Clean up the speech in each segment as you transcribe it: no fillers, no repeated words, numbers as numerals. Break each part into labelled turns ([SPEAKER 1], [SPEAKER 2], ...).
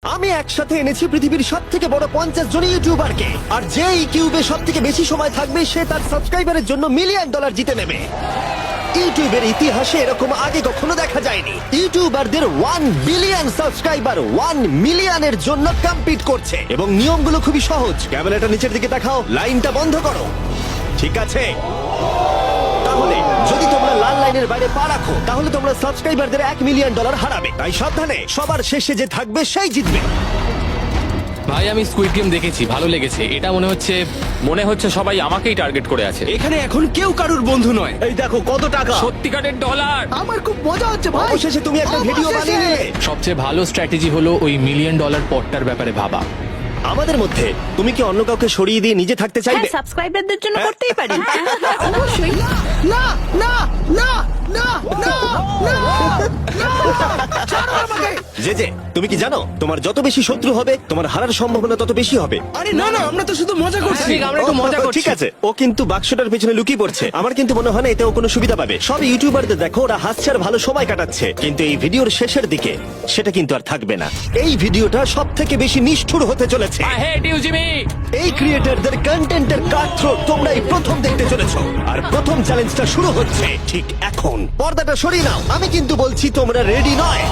[SPEAKER 1] আমি একসাথে এনেছি পৃথিবীর সব থেকে বড় 50 জন ইউটিউবারকে, আর যে এই কিউবে সব থেকে বেশি সময় থাকবে সে তার সাবস্ক্রাইবারের জন্য $1 মিলিয়ন জিতে নেবে। ইউটিউবের ইতিহাসে এরকম আগে কখনো দেখা যায়নি। ইউটিউবারদের 1 বিলিয়ন সাবস্ক্রাইবার 1 মিলিয়নের জন্য কম্পিট করছে, এবং নিয়মগুলো খুবই সহজ। ক্যামেরাটা নিচের দিকে দেখাও, লাইনটা বন্ধ করো। ঠিক আছে, তাহলে যদি তোমরা লাল লাইনের বাইরে পা রাখো তাহলে তোমরা সাবস্ক্রাইবারদের $1 মিলিয়ন হারাবে। তাই সাবধানে, সবার শেষে যে থাকবে সেই জিতবে।
[SPEAKER 2] ভাই আমি স্কুইড গেম দেখেছি, ভালো লেগেছে। এটা মনে হচ্ছে সবাই আমাকেই টার্গেট করে আছে।
[SPEAKER 3] এখানে এখন কেউ কারুর বন্ধু নয়।
[SPEAKER 1] এই দেখো কত টাকা,
[SPEAKER 2] সত্যিকারের ডলার।
[SPEAKER 4] আমার খুব মজা হচ্ছে ভাই।
[SPEAKER 1] অবশেষে তুমি একটা ভিডিও বানিয়ে নিলে।
[SPEAKER 2] সবচেয়ে ভালো স্ট্র্যাটেজি হলো ওই $1 মিলিয়ন পটটার ব্যাপারে ভাবা।
[SPEAKER 1] আমাদের মধ্যে তুমি কি অন্য কাউকে সরিয়ে দিয়ে নিজে থাকতে চাইবে?
[SPEAKER 5] হ্যাঁ, সাবস্ক্রাইবারদের জন্য করতেই পারি।
[SPEAKER 4] অবশ্যই। না না না না না না না, ছাড়ো আমাকে।
[SPEAKER 1] যে তুমি কি জানো তোমার যত বেশি শত্রু হবে তোমার হারার সম্ভাবনা তত বেশি হবে।
[SPEAKER 3] আরে না না, আমরা তো শুধু মজা করছি।
[SPEAKER 2] আমরা একটু মজা করছি।
[SPEAKER 1] ঠিক আছে, ও কিন্তু বাক্সটার পেছনে লুকিয়ে পড়ছে। আমার কিন্তু মনে হয় না এতে ও কোনো সুবিধা পাবে। সব ইউটিউবারদের দেখো ওরা হাসছে আর ভালো সময় কাটাচ্ছে, কিন্তু এই ভিডিওর শেষের দিকে সেটা কিন্তু আর থাকবে না। এই ভিডিওটা সব থেকে বেশি নিষ্ঠুর হতে চলেছে।
[SPEAKER 2] I hate you, Jimmy!
[SPEAKER 1] এই ক্রিয়েটরদের কন্টেন্টের কাটথ্রোট তোমরাই প্রথম দেখতে চলেছো, আর প্রথম চ্যালেঞ্জটা শুরু হচ্ছে ঠিক এখন। পর্দাটা সরিয়ে নাও, আমি কিন্তু বলছি তোমরা রেডি নয়।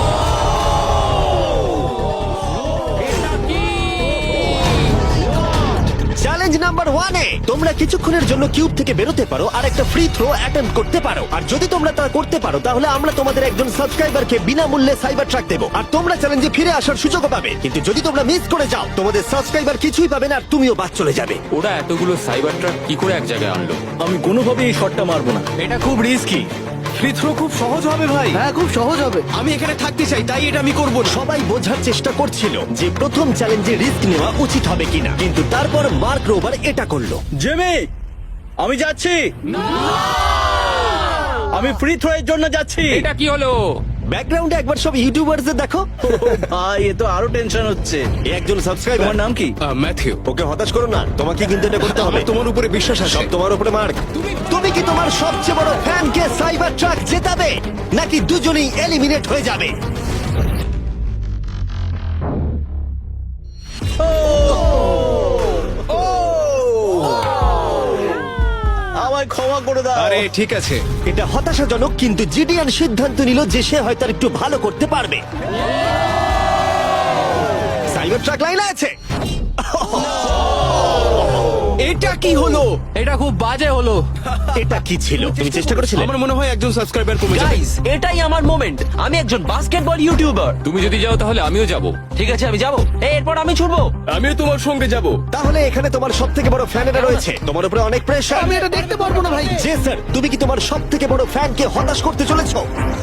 [SPEAKER 1] চ্যালেঞ্জ নাম্বার 1 এ তোমরা কিছুক্ষণের জন্য কিউব থেকে বেরোতে পারো আর একটা ফ্রি থ্রো অ্যাটেম্প্ট করতে পারো। আর যদি তোমরা তা করতে পারো তাহলে আমরা তোমাদের একজন সাবস্ক্রাইবারকে বিনামূল্যে সাইবার ট্রাক দেবো, আর তোমরা চ্যালেঞ্জে ফিরে আসার সুযোগও পাবে। কিন্তু যদি তোমরা মিস করে যাও তোমাদের সাবস্ক্রাইবার কিছুই পাবে না, আর তুমিও বাদ চলে যাবে।
[SPEAKER 2] ওরা এতগুলো সাইবার ট্রাক কি করে এক জায়গায় আনলো?
[SPEAKER 6] আমি কোনোভাবেই এই শটটা মারবো না।
[SPEAKER 2] এটা খুব রিস্কি।
[SPEAKER 3] ফ্রি থ্রো খুব সহজ হবে ভাই।
[SPEAKER 4] হ্যাঁ, খুব সহজ হবে।
[SPEAKER 3] আমি এখানে থাকতে চাই, তাই এটা আমি করব না।
[SPEAKER 1] সবাই বোঝার চেষ্টা করছিল যে প্রথম চ্যালেঞ্জে রিস্ক নেওয়া উচিত হবে কিনা, কিন্তু তারপর মার্ক রোবার এটা করলো।
[SPEAKER 6] জেমি, আমি যাচ্ছি। আমি ফ্রি থ্রো এর জন্য যাচ্ছি।
[SPEAKER 2] এটা কি হলো?
[SPEAKER 1] ব্যাকগ্রাউন্ডে একবার সব ইউটিউবারদের দেখো।
[SPEAKER 6] ভাই, এ তো আরো টেনশন হচ্ছে।
[SPEAKER 1] এ একজন সাবস্ক্রাইবার।
[SPEAKER 6] তোমার নাম কি?
[SPEAKER 3] ম্যাথিউ।
[SPEAKER 1] ওকে হতাশ করো না, তোমাকে কিন্তু এটা করতে হবে।
[SPEAKER 3] আমার তোমার উপরে বিশ্বাস আছে।
[SPEAKER 1] সব তোমার উপরে মার্ক। তুমি কি তোমার সবচেয়ে বড় ফ্যানকে সাইবার ট্রাক জেতাবে, নাকি দুজনেই এলিমিনেট হয়ে যাবে?
[SPEAKER 6] আমায় ক্ষমা করে দাও।
[SPEAKER 3] আরে ঠিক আছে।
[SPEAKER 1] এটা হতাশাজনক, কিন্তু জিডিয়ান সিদ্ধান্ত নিল যে সে হয়তো আর একটু ভালো করতে পারবে। সাইবার ট্রাক লাইনে আছে।
[SPEAKER 3] এটা কি হলো?
[SPEAKER 2] এটা খুব বাজে হলো।
[SPEAKER 1] এটা কি ছিল? তুমি চেষ্টা করেছিলে?
[SPEAKER 3] আমার মনে হয় একজন সাবস্ক্রাইবার কমে যাবে।
[SPEAKER 7] গাইস, এটাই আমার মোমেন্ট। আমি একজন বাস্কেটবল ইউটিউবার।
[SPEAKER 2] তুমি যদি যাও তাহলে আমিও যাব।
[SPEAKER 7] ঠিক আছে, আমি যাব। এরপর আমি ছুটবো।
[SPEAKER 3] আমিও তোমার সঙ্গে যাব।
[SPEAKER 1] তাহলে এখানে তোমার সব থেকে বড় ফ্যানেরা রয়েছে, তোমার উপরে অনেক প্রেশার।
[SPEAKER 4] আমি এটা দেখতে পারবো না ভাই।
[SPEAKER 1] জে স্যার, তুমি কি তোমার সব থেকে বড় ফ্যানকে হতাশ করতে চলেছো?